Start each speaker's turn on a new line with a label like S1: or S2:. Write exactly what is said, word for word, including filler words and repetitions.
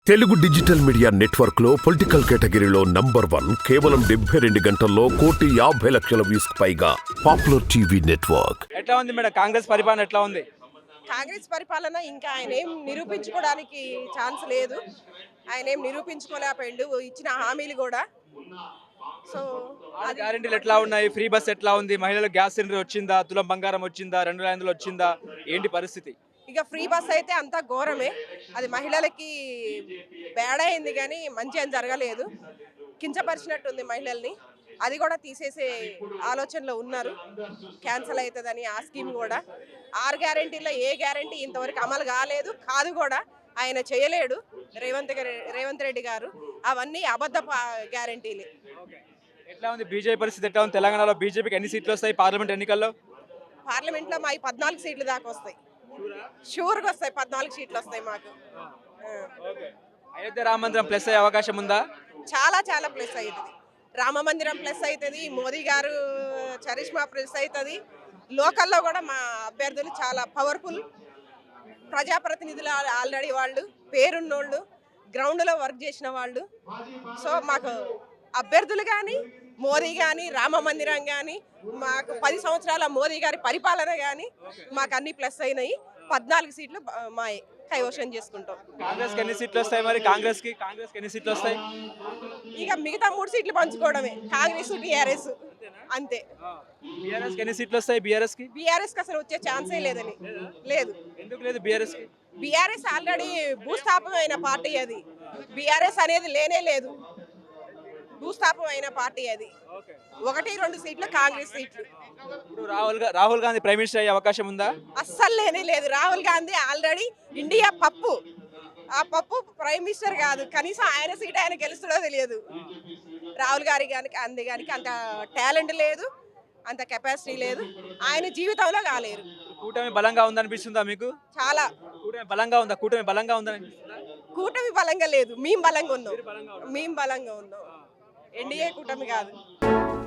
S1: Telugu digital media network లో political కేటగిరీలో number one కేవలం డెబ్బై రెండు గంటల్లో కోటి యాభై లక్షల వ్యూస్ పైగా పాపులర్ టీవీ నెట్వర్క్.
S2: ఎట్లా ఉంది మేడం కాంగ్రెస్ పరిపాలన ఎట్లా ఉంది?
S3: కాంగ్రెస్ పరిపాలన ఇంకా ఆయన ఏం నిరూపించుకోవడానికి ఛాన్స్ లేదు. ఆయన ఏం నిరూపించుకోలేకపోయిండు ఇచ్చిన హామీలు కూడా. సో
S2: అది గ్యారెంటీలు ఎట్లా ఉన్నాయి? ఫ్రీ బస్ ఎట్లా ఉంది? మహిళలకు గ్యాస్ సిలిండర్ వచ్చిందా? తులం బంగారం వచ్చిందా? రెండు వేల ఐదులు వచ్చిందా? ఏంటి పరిస్థితి?
S3: ఇక ఫ్రీ బస్ అయితే అంతా ఘోరమే. అది మహిళలకి బ్యాడ్ అయింది కానీ మంచి అని జరగలేదు. కించపరిచినట్టుంది మహిళల్ని. అది కూడా తీసేసే ఆలోచనలో ఉన్నారు. క్యాన్సిల్ అవుతుందని ఆ స్కీమ్ కూడా. ఆరు గ్యారెంటీలో ఏ గ్యారెంటీ ఇంతవరకు అమలు కాలేదు, కాదు కూడా. ఆయన చేయలేడు రేవంత్ రేవంత్ రెడ్డి గారు. అవన్నీ అబద్ధ గ్యారెంటీలే.
S2: ఎట్లా ఉంది బీజేపీ పరిస్థితి? ఎట్లా ఉంది తెలంగాణలో? బీజేపీకి ఎన్ని సీట్లు వస్తాయి పార్లమెంట్ ఎన్నికల్లో?
S3: పార్లమెంట్లో మా పద్నాలుగు సీట్లు దాకా వస్తాయి. షూర్గా వస్తాయి. పద్నాలుగు సీట్లు వస్తాయి మాకు.
S2: అయోధ్య రామ మందిరం ప్లస్ అయ్యే అవకాశం ఉందా?
S3: చాలా చాలా ప్లస్ అవుతుంది. రామ మందిరం ప్లస్ అవుతుంది. మోదీ గారు చరిష్మా ప్లస్ అవుతుంది. లోకల్లో కూడా మా అభ్యర్థులు చాలా పవర్ఫుల్ ప్రజాప్రతినిధులు. ఆల్రెడీ వాళ్ళు పేరున్నోళ్ళు, గ్రౌండ్లో వర్క్ చేసిన వాళ్ళు. సో మాకు అభ్యర్థులు కానీ, మోదీ కానీ, రామ మందిరం కానీ, మాకు పది సంవత్సరాల మోదీ గారి పరిపాలన కానీ మాకు అన్ని ప్లస్ అయినాయి. పద్నాలుగు సీట్లు మా కైవశం చేసుకుంటాం.
S2: కాంగ్రెస్ ఎన్ని సీట్లు వస్తాయి మరి? కాంగ్రెస్ కి కాంగ్రెస్ ఎన్ని సీట్లు వస్తాయి?
S3: ఇక మిగతా మూడు సీట్లు పంచుకోవడమే. కాంగ్రెస్, టీఆర్ఎస్ అంతే.
S2: బీఆర్ఎస్ ఎన్ని సీట్లు వస్తాయి? బీఆర్ఎస్ కి
S3: బీఆర్ఎస్ కి అసలు వచ్చే ఛాన్సే లేదని. లేదు.
S2: ఎందుకు లేదు బీఆర్ఎస్ కి?
S3: బీఆర్ఎస్ ఆల్రెడీ భూస్థాపమైన పార్టీ. అది బీఆర్ఎస్ అనేది లేనే లేదు. భూస్థాపం అయిన పార్టీ అది. ఒకటి రెండు సీట్లు కాంగ్రెస్ సీట్లు.
S2: ఇప్పుడు రాహుల్ రాహుల్ గాంధీ ప్రైమ్ మినిస్టర్ అయ్యే అవకాశం ఉందా?
S3: అస్సలు లేనే లేదు. రాహుల్ గాంధీ ఆల్రెడీ ఇండియా పప్పు. ఆ పప్పు ప్రైమ్ మినిస్టర్ కాదు. కనీసం ఆయన సీట్ ఆయన గెలుస్తుందో తెలియదు. రాహుల్ గారి గారికి అంది గారికి అంత టాలెంట్ లేదు, అంత కెపాసిటీ లేదు. ఆయన జీవితంలో కాలేరు.
S2: కూటమి బలంగా ఉందనిపిస్తుందా మీకు?
S3: చాలా.
S2: కూటమి బలంగా ఉందా? కూటమి బలంగా ఉందని?
S3: కూటమి బలంగా లేదు. మేము బలంగా ఉన్నాం. మేము బలంగా ఉన్నాం. ఎన్డీఏ కూటమి కాదు.